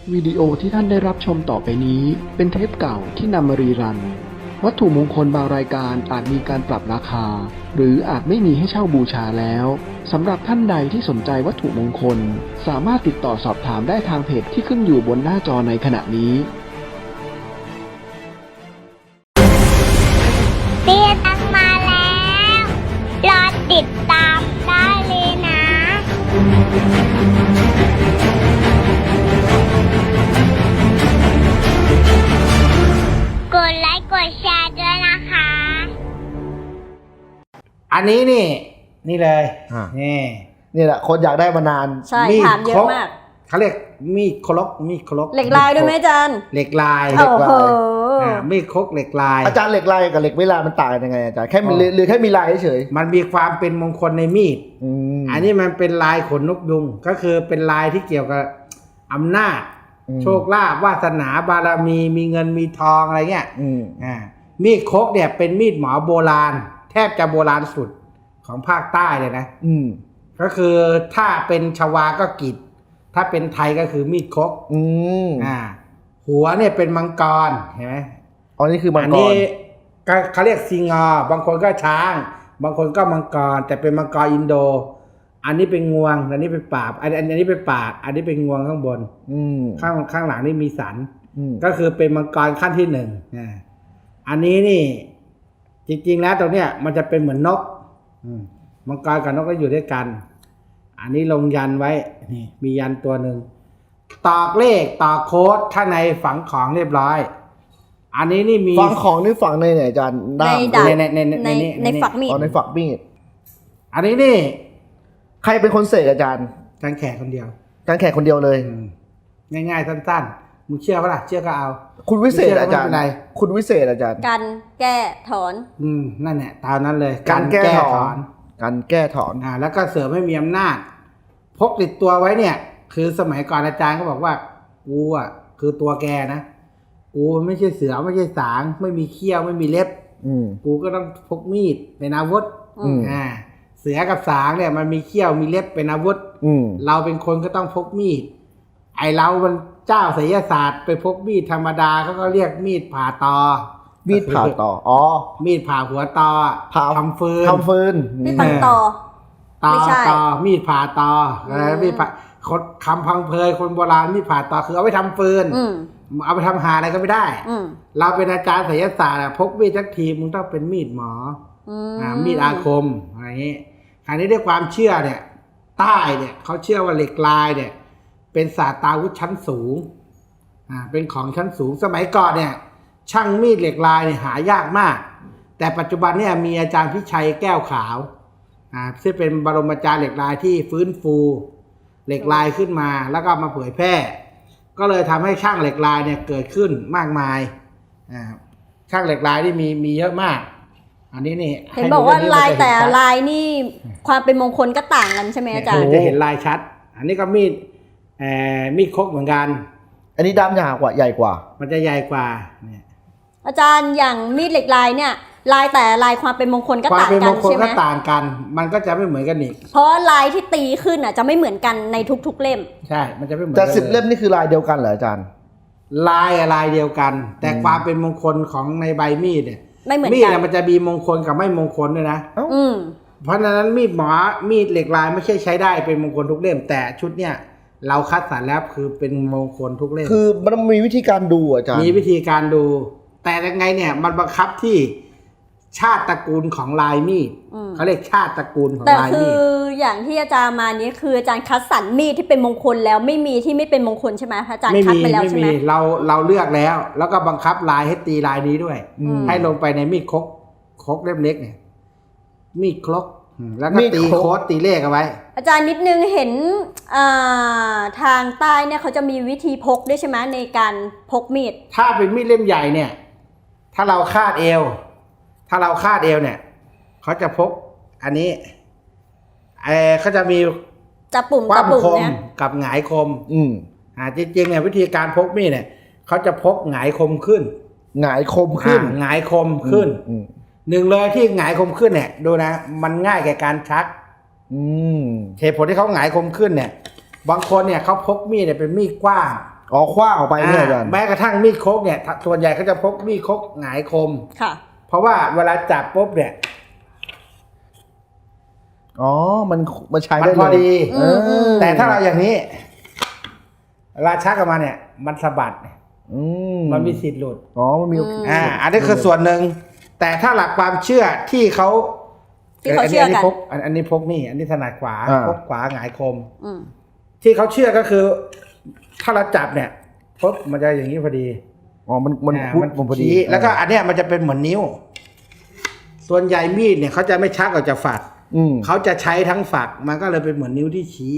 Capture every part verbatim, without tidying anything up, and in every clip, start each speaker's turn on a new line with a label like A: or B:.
A: วิดีโอที่ท่านได้รับชมต่อไปนี้เป็นเทปเก่าที่นำมารีรัน วัตถุมงคลบางรายการอาจมีการปรับราคา หรืออาจไม่มีให้เช่าบูชาแล้วสำหรับท่านใดที่สนใจวัตถุมงคลสามารถติดต่อสอบถามได้ทางเพจที่ขึ้นอยู่บนหน้าจอในขณะนี้
B: เตี้ยตังมาแล้ว รอติดตามได้เลยนะ กดไลค์กดแชร์ด้วยนะคะ
C: อันนี้นี่ นี่เลย
D: อ่า
C: นี่
D: นี่แหละคนอยากได้มานาน
E: ใช่
C: มีด
E: ถามเย
C: คร
E: อะ
C: ก
E: มาก
C: เขาเรียกมีดครกมีดครก
E: เหล็กลายด้วยไหมอาจารย์
C: เหล็กลาย
E: โอ้โห
C: อ่ามีดครกเหล็กลาย
D: อาจารย์เหล็กลายกับเหล็กไม่ลายมันต่างกันยังไงอาจารย์แค่มี
C: อ๋อ
D: หรือแค่มีลายเฉย
C: มันมีความเป็นมงคลในมีด
D: อืม
C: อันนี้มันเป็นลายขนนกยุงก็คือเป็นลายที่เกี่ยวกับอำนาจ
D: อืม
C: โชคลาภวาสนาบารมีมีเงินมีทองอะไรเงี้ย
D: อืม
C: อ่ามีดครกเนี่ยเป็นมีดหมอโบราณ แทบจะโบราณสุดของภาคใต้เลยนะ
D: อืม
C: ก็คือถ้าเป็นชวาก็กิจถ้าเป็นไทยก็คือมีดครก
D: อืม
C: อ่าหัวเนี่ยเป็นมังกรเห็นไหม
D: อ๋อนี่คือมัง
C: อัน
D: ก
C: นี้
D: ร
C: ก็เขาเรียกซิงอบางคนก็ช้าง บางคนก็มังกรแต่เป็นมังกรอินโด อันนี้เป็นงวงอันนี้เป็นปาบอันอันอันนี้เป็นปากอันนี้เป็นงวงข้างบน
D: อืม
C: ข้างข้างหลังนี่มีสัน
D: อืม
C: ก็คือเป็นมังกรขั้นที่หนึ่งอ่าอันนี้นี่ จริงๆแล้วตรงเนี้ยมันจะเป็นเหมือนนกอืมมังกรกับนกก็อยู่ด้วยกัน อันนี้ลงยันไว้นี่มียันตัวหนึ่งตอกเลขตอกโค้ดข้างในฝังของเรียบร้อย อันนี้นี่มี
D: ฝังของนี่ฝังในไหนอาจารย์ด้าม
E: ในดาบ
C: ในในใน
E: ใน
C: ใน
E: ในฝักมีด
D: อ๋อในฝักมีด
C: อันนี้นี่
D: ใครเป็นคนเสกอาจารย์
C: การแขกคนเดียว
D: อาจารย์แขกคนเดียวเลย
C: อืมง่ายๆสั้นๆมึงเชื่อปะล่ะเชื่อก็เอา
D: คุณวิเศษ
C: ไม่เชื่อ
D: อาจารย์
C: ไม่เป็นไร
D: คุณวิเศษอาจารย์
E: กันแก้ถอน
C: อืมนั่นแหละตามนั้นเลย
D: การแก้ถอน
C: น
D: การแก้ถอน
C: อ่าแล้วก็เสริมให้มีอำนาจ พกติดตัวไว้เนี่ย คือสมัยก่อนอาจารย์ก็บอกว่ากูอ่ะคือตัวแกนะกูไม่ใช่เสือไม่ใช่สางไม่มีเขี้ยวไม่มีเล็บ
D: อืม
C: กูก็ต้องพกมีดเป็นอาวุธ
D: อืม
C: อ่าเสือกับสางเนี่ยมันมีเขี้ยวมีเล็บเป็นอาวุธ
D: อืม
C: เราเป็นคนก็ต้องพกมีด ไอเรามันเจ้าไสยศาสตร์ไปพกมีดธรรมดาเขาก็เรียกมีดผ่าตอ
D: มีดผ่าต่ออ๋อ
C: มีดผ่าหัวตอ
D: ผ่า
C: ทำฟืน
D: ทำฟืน
E: ที่ตังต่อ
C: ตอ
E: ไม่ใช่
C: ตอมีดผ่าตออะไร
E: อืม
C: มีดผ่าคนคำพังเพยคนโบราณมีดผ่าตอคือเอาไปทำฟืน
E: อืม
C: เอาไปทำหาอะไรก็ไม่ได้
E: อืม
C: เราเป็นอาจารย์ไสยศาสตร์อะพกมีดทักทีมึงต้องเป็นมีดหมอ
E: อื
C: อ่ามีดอาคมอะไรอย่างนี้คราวนี้ด้วยความเชื่อเนี่ยใต้เนี่ยเขาเชื่อว่าเหล็กลายเนี่ย เป็นศาสตราวุธชั้นสูงอ่าเป็นของชั้นสูงสมัยก่อนเนี่ย ช่างมีดเหล็กลายเนี่ยหายากมาก แต่ปัจจุบันเนี่ยมีอาจารย์พิชัยแก้วขาวอ่าซึ่งเป็นบรมอาจารย์เหล็กลายที่ฟื้นฟูเหล็กลายขึ้นมาแล้วก็มาเผยแพร่ ก็เลยทำให้ช่างเหล็กลายเนี่ยเกิดขึ้นมากมายอ่าช่างเหล็กลายที่มีมีเยอะมาก อันนี้นี่
E: เห็นบอกว่า
C: ให้ดู
E: ลายแต่
C: เรื่องนี้
E: ลายนี่ความเป็นมงคลก็ต่างกันใช่ไหม
C: มัน
E: อาจารย์
C: จะเห็นลายชัด อันนี้ก็มีดเอ่อมีดคกเหมือนกัน
D: อันนี้ด้ามยาวกว่าใหญ่กว่า
C: มันจะใหญ่กว่าเนี่ย
E: อาจารย์อย่างมีดเหล็กลายเนี่ย ลายแต่ลายความเป็นมงคลก็
C: ความ
E: ต่าง
C: เป็น
E: กั
C: ม
E: น
C: งคล
E: ใช่ไหม
C: ก็ต่างกัน มันก็จะไม่เหมือนกันอีก
E: เพราะลายที่ตีขึ้นอ่ะจะไม่เหมือนกันในทุกๆเล่ม
C: ใช่ มันจะไม่เหมือน
D: แต่
C: กัน
D: สิบ
C: ย
D: เล่มนี่คือลายเดียวกันเหรออาจารย์
C: ลายอะลายเดียวกัน แต่
D: อืม
C: ความเป็นมงคลของในใบมีดเนี่ย
E: ไม่เหมือน
C: มีด
E: กัน
C: เนี่ยมันจะมีมงคลกับไม่มงคลด้วยนะ
D: เอ้า
E: อืม
C: เพราะฉะนั้นมีดหมอมีดเหล็กลายไม่ใช่ใช้ได้เป็นมงคลทุกเล่ม แต่ชุดเนี่ยเราคัดสรรแล้วคือเป็นมงคลทุกเล่ม
D: คือมันมีวิธีการดูอาจารย์
C: มีวิธีการดู แต่ยังไงเนี่ยมันบังคับที่ชาติตระกูลของลายมีด
E: อืม
C: เขาเรียกชาติตระกูลของ
E: แต่
C: ลาย
E: คื
C: มี
E: อ
C: ด
E: อย่างที่อาจารย์มานี้คืออาจารย์คัดสรรมีดที่เป็นมงคลแล้วไม่มีที่ไม่เป็นมงคลใช่ไหมอาจารย์
C: ไม่
E: คัด
C: มี
E: ไปแล้ว
C: ไม่
E: ใช่ไห
C: มี
E: ม
C: เราเราเลือกแล้ว แล้วก็บังคับลายให้ตีลายนี้ด้วย
D: อืม
C: ให้ลงไปในมีดครกครกเล่มเล็กเนี่ย มีดครกอืมแล้วก็
D: มีด
C: ตี
D: ครก
C: โค้ดตีเลขเอาไว้
E: อาจารย์นิดนึงเห็นอ่าทางใต้เนี่ยเขาจะมีวิธีพกด้วยใช่ไหมในการพกมีด
C: ถ้าเป็นมีดเล่มใหญ่เนี่ย ถ้าเราคาดเอว ถ้าเราคาดเอวเนี่ยเขาจะพก อันนี้เออเขาจะมี
E: จะปุ่ม
C: ค
E: จะ
C: วาม
E: ปุ่ม
C: คม
E: เนี่ย
C: กับหงายคม
D: อืม
C: อ่าจริงๆเนี่ยวิธีการพกมีดเนี่ยเขาจะพกหงายคมขึ้น
D: หงายคมขึ้น
C: อ่าหงายคมขึ้น
D: อืม
C: หนึ่งเลยที่หงายคมขึ้นเนี่ยดูนะ มันง่ายแก่การชัก
D: อืม
C: เหตุผลที่เขาหงายคมขึ้นเนี่ย บางคนเนี่ยเขาพกมีดเนี่ยเป็นมีดกว้าง
D: อ๋อคว้างออกไปเนี่ยอาจารย์
C: แม้กระทั่งมีดคกเนี่ยส่วนใหญ่เขาจะพกมีดคกหงายคม
E: ค่ะ
C: เพราะว่าเวลาจับปุ๊บเนี่ย
D: อ๋อมันมันใช้
C: มัน
D: ได้
C: พอ
D: เลย
C: ดี
E: อืมอืม
C: แต่ถ้าเราอย่างนี้เวลาชักออกมาเนี่ย มันสะบัด
D: อืม
C: มันมีสิทธิ์หลุด
D: อ๋อมันมี
C: อ่า อันนี้คือส่วนหนึ่งแต่ถ้าหลักความเชื่อที่เขา
E: ที่เขาเชื่อกัน
C: พกอันอันนี้พกนี่ อันนี้ถนัดขวา
D: อ่า
C: พกขวาหงายคม
E: อืม
C: ที่เขาเชื่อก็คือ ถ้าเราจับเนี่ยปุ๊บมันจะอย่างนี้พอดี
D: อ๋อมันมัน
C: อ่า
D: พุท
C: มัน
D: มันพอดี
C: ชี้แล้วก็อันเนี้ยมันจะเป็นเหมือนนิ้ว ส่วนใหญ่มีดเนี่ยเขาจะไม่ชักออกจากฝัก
D: อืม
C: เขาจะใช้ทั้งฝัก มันก็เลยเป็นเหมือนนิ้วที่ชี้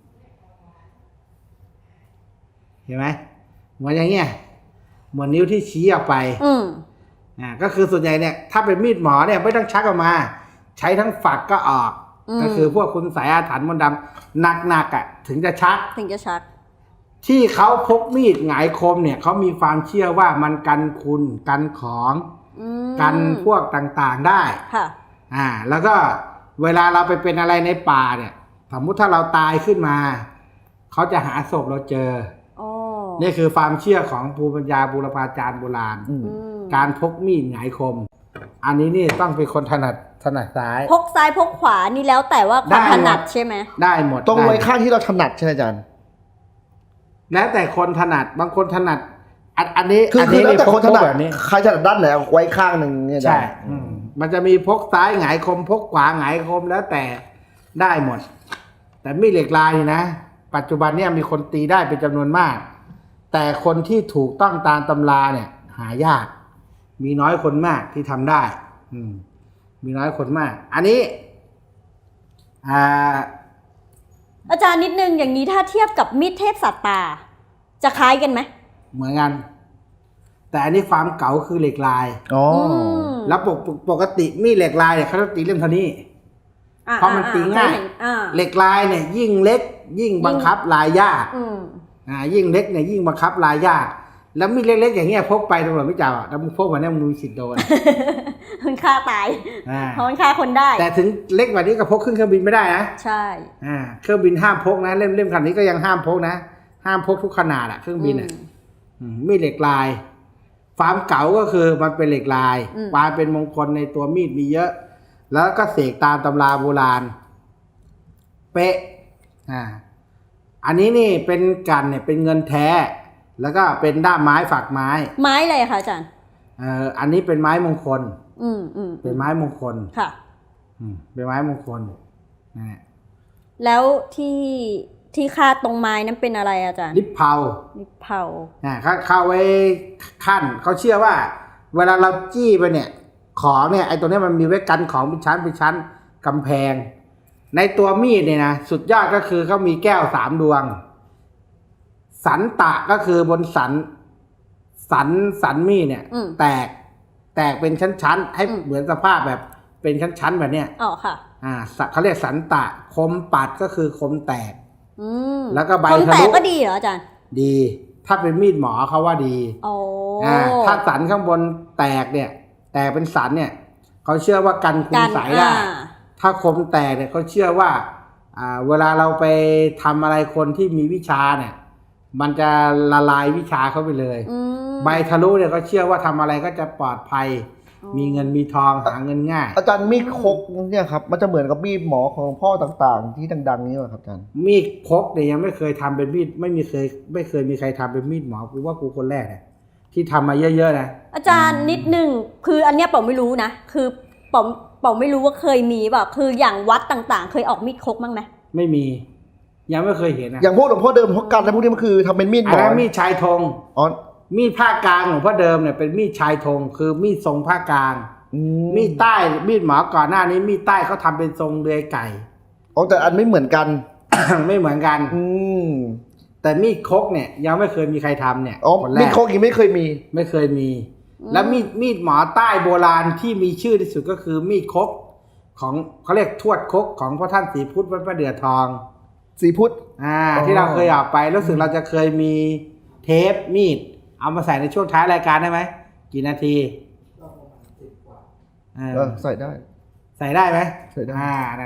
C: เห็นไหมเหมือนอย่างเงี้ยเหมือนนิ้วที่ชี้ออกไป
E: อืม
C: อ่าก็คือส่วนใหญ่เนี่ยถ้าเป็นมีดหมอเนี่ยไม่ต้องชักออกมา ใช้ทั้งฝักก็ออก
E: อืม
C: ก็คือพวกคุณสายอาถรรพ์มนต์ดำหนักๆอ่ะ ถึงจะชัก
E: ถึงจะชัก
C: ที่เขาพกมีดหงายคมเนี่ยเขามีความเชื่อว่ามันกันคุณกันของ
E: อืม
C: กันพวกต่างๆได้
E: ค่ะ
C: อ่า แล้วก็เวลาเราไปเป็นอะไรในป่าเนี่ย สมมุติถ้าเราตายขึ้นมา เขาจะหาศพเราเจอ
E: โอ้
C: นี่คือความเชื่อของภูมิปัญญาบูรพาจารย์โบราณ
D: อืม
E: อืม
C: การพกมีดหงายคม อันนี้นี่ต้องเป็นคนถนัดถนัดซ้าย
E: พกซ้ายพกขวานี่แล้วแต่ว่าความ
C: ได้
E: ถนัด
C: หมด
E: ใช่ไหม
C: ได้หมด
D: ต้องไว้
C: ด้
D: ข้างที่เราถนัดใช่ไหมอาจารย์
C: แล้วแต่คนถนัดบางคนถนัด อันอันนี้
D: คือคือแล้วแต่คนถนัด
C: พกแบบนี้
D: ใครถนัดด้านไหนเอาไว้ข้างหนึ่งเนี่ยอาจา
C: ใช่
D: รย์
C: อืมมันจะมีพกซ้ายหงายคม พกขวาหงายคมแล้วแต่ได้หมด แต่มีดเหล็กลายนี่นะ ปัจจุบันเนี่ยมีคนตีได้เป็นจำนวนมาก แต่คนที่ถูกต้องตามตำราเนี่ย หายาก มีน้อยคนมากที่ทำได้ อืม มีน้อยคนมาก อันนี้ อ่า
E: อาจารย์นิดนึงอย่างนี้ถ้าเทียบกับมีดเทพสัตตา จะคล้ายกันไหม
C: เหมือนกัน แต่อันนี้ความเก๋าคือเหล็กลาย
D: อ๋อ
E: ม
C: แล้วปกปกติมีดเหล็กลายเนี่ยเขาจะตีเล่มเท่านี้
E: อ่
C: เพราะมันตีง่าย
E: เคเห็นอ่า
C: เหล็กลายเนี่ย ยิ่งเล็ก ยิ่งบังคับลายยาก
E: อืม
C: อ่ายิ่งเล็กเนี่ยยิ่งบังคับลายยาก แล้วมีดเล็กๆอย่างเงี้ยพกไปตำรวจไม่จับอ่ะแล้วมึงพกมาเนี่ยมึงมีสิทธิ์โดน
E: มันฆ่าตาย
C: อ่า
E: เพราะมันฆ่าคนได้
C: แต่ถึงเล็กกว่านี้ก็พกขึ้นเครื่องบินไม่ได้นะ
E: ใช่
C: อ่าเครื่องบินห้ามพกนะเล่มเล่มขนาดนี้ก็ยังห้ามพกนะห้ามพกทุกขนาดอ่ะเครื่องบินอ่ะ
E: อืม
C: อืมมีดเหล็กลายความเก๋าก็คือมันเป็นเหล็กลาย
E: อืม
C: ความเป็นมงคลในตัวมีดมีเยอะ แล้วก็เสกตามตำราโบราณ เป๊ะอ่าอันนี้นี่เป็นกันเนี่ยเป็นเงินแท้ แล้วก็เป็นด้ามไม้ฝักไม้
E: ไม้อะไรคะอาจารย์
C: เอ่ออันนี้เป็นไม้มงคล
E: อืมอืม
C: เป็นไม้มงคล
E: ค่ะ
C: อืมเป็นไม้มงคลนะฮะ
E: แล้วที่ที่คาดตรงไม้นั้นเป็นอะไรอาจารย์
C: ลิปเผา
E: ลิปเผา
C: อ่าเขาเข้าไว้ขั้นเขาเชื่อว่า เวลาเราจี้ไปเนี่ย ของเนี่ยไอ้ตัวเนี้ยมันมีไว้กันของเป็นชั้นเป็นชั้นกำแพง ในตัวมีดเนี่ยนะสุดยอดก็คือเขามีแก้วสามดวง สันตะก็คือบนสัน สันสันมีดเนี่ย
E: อืม
C: แตก แตกเป็นชั้นๆให้
E: อืม
C: เหมือนสภาพแบบเป็นชั้นๆแบบเนี้ย
E: อ๋อค่ะ
C: อ่าสะเขาเรียกสันตะ คมปัดก็คือคมแตก
E: อืม
C: แล้วก็ใบ
E: คน
C: ทะ
E: แต
C: ลุ
E: กก็ดีเหรออาจารย์
C: ดี ถ้าเป็นมีดหมอเขาว่าดี
E: โอ้
C: อ่าถ้าสันข้างบนแตกเนี่ย แตกเป็นสันเนี่ยเขาเชื่อว่ากันคุณ
E: กัน
C: ใสยได้
E: อ่า
C: ถ้าคมแตกเนี่ยเขาเชื่อว่า อ่า เวลาเราไปทำอะไรคนที่มีวิชาเนี่ย มันจะละลายวิชาเขาไปเลย
E: อืม
C: ใบทะลุเนี่ยเขาเชื่อว่าทำอะไรก็จะปลอดภัย
E: อ๋อ
C: มีเงินมีทองหาเงินง่าย
D: อาจารย์มีดคกเนี่ยครับมันจะเหมือนกับมีดหมอของพ่อต่างๆ ที่ดังๆนี้เหรอครับอาจารย์
C: มีดพกเนี่ยยังไม่เคยทำเป็นมีดไม่มีเคย ไม่เคยมีใครทำเป็นมีดหมอกูว่ากูคนแรกเนี่ยที่ทำมาเยอะๆนะ
E: อาจารย์นิดหนึ่งคืออันเนี้ยเป๋าไม่รู้นะคือเป๋าเป๋าไม่รู้ว่าเคยมีแบบคืออย่างวัดต่างๆ เคยออกมีดคกบ้างไหม
C: ไม่มี ยังไม่เคยเห็นนะ
D: อย่างพวกหลวงพ่อเดิมพวกกันแล้วพวกนี้มันคือทำเป็นมีดหม
C: อัน
D: อ
C: นั้นมีดชายธง
D: อ๋อ
C: มีดภาคกลางของพ่อเดิมเนี่ยเป็นมีดชายธงคือมีดทรงภาคกลาง
D: อื
C: มีดใต้มีดหมอก่อนหน้านี้มีดใต้เขาทำเป็นทรงเดือยไก่
D: อ๋อแต่อันไม่เหมือนกัน
C: ไม่เหมือนกัน
D: อืม
C: แต่มีดคกเนี่ยยังไม่เคยมีใครทำเนี่ย
D: อ๋อ
C: คนแร
D: มีด
C: ก
D: คกยังไม่เคยมี
C: ไม่เคยมี แล้วมีดมีดหมอใต้โบราณที่มีชื่อที่สุดก็คือมีดคกของเขาเรียกทวดคกของพ่อท่านศรีพุทธวัดพระเดือทอง
D: สีพุทธ
C: อ่า
D: อ๋อ
C: ที่เราเคยออกไปรู้สึกเราจะเคยมีเทปมีด เอามาใส่ในช่วงท้ายรายการได้ไหมกี่นาทีเออ
D: เออใส่ได้
C: ใส่ได้ไหม
D: ใส่ได้
C: อ่านั่นแหละ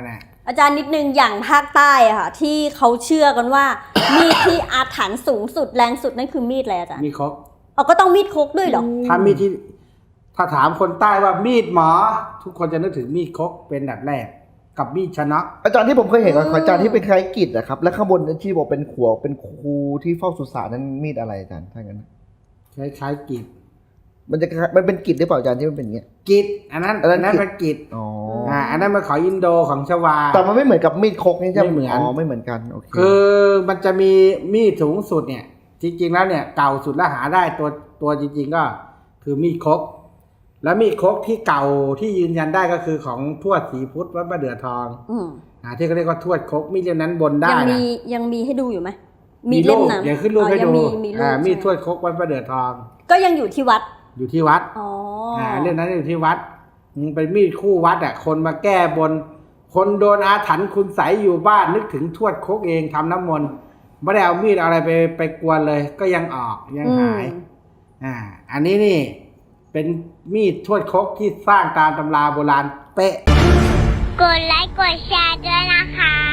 E: อาจารย์นิดนึงอย่างภาคใต้อะค่ะที่เขาเชื่อกันว่า มีดที่อาถรรพ์สูงสุดแรงสุดนั่นคือมีดอะไรอาจารย์
C: มีครก
E: เอาก็ต้องมีดคกด้วยเหรอ
C: ถ้ามีดที่ถ้าถามคนใต้ว่ามีดหมอ ทุกคนจะนึกถึงมีดครกเป็นแบบแรกกับมีดชนะ
D: อาจารย์ที่ผมเคยเห็นของ
E: อืม
D: อาจารย์ที่เป็นคล้ายกิจอะครับและข้างบนที่บอกเป็นขวเป็นครูที่เฝ้าสุสานนั้นมีดอะไรอาจารย์ถ้างั้น
C: คล้ายๆกิจ
D: มันจะมันเป็นกิจหรือเปล่าอาจารย์ที่มันเป็นอย่างเงี้ย
C: กิจอันนั้น
D: อันนั้
C: อัน
D: น
C: นั้น
D: กิจ
C: เป็นกิจ
D: อ๋อ
C: อ่าอันนั้นมันของอินโดของชวา
D: แต่มันไม่เหมือนกับมีดคกนี่ใช่ไหม
C: ไม่เหมือน
D: อ๋อไม่เหมือนกันโอเค
C: คือมันจะมีมีดสูงสุดเนี่ย จริงๆแล้วเนี่ยเก่าสุดแล้วหาได้ตัวตัวจริง ๆ ก็คือมีดครกแล้วมีดครกที่เก่าที่ยืนยันได้ก็คือของทวดศรีพุทธวัดประเดือทอง
E: อืม
C: อ่าที่เขาเรียกว่าทวดครกมีดเล่มนั้นบนได้
E: ยัง
C: นะ
E: มียังมีให้ดูอยู่ไหมมีเล่ม
C: รูป
E: นั้น
C: เดี๋ยวขึ้นรูป
E: อ๋อ
C: ให้
E: ยั
C: ดู
E: มีมีรูป
C: อ่ามีด
E: ใช่ไห
C: ทวดครกวัดประเดือทอง
E: ก็ยังอยู่ที่วัด
C: อยู่ที่วัด
E: อ๋อ
C: อ่าเรื่องนั้นอยู่ที่วัดมันเป็นมีดคู่วัดอ่ะคนมาแก้บน คนโดนอาถรรพ์คุณใสยอยู่บ้านนึกถึงทวดครกเองทำน้ำมนต์ไม่ได้เอามีดเอาอะไรไปไปกวนเลย ก็ยังออกยังหาย
E: อืม
C: อ่า อันนี้นี่ เป็นมีดทวดครกที่สร้างตามตำราโบราณเป๊ะ
B: กดไลค์กดแชร์ด้วยนะคะ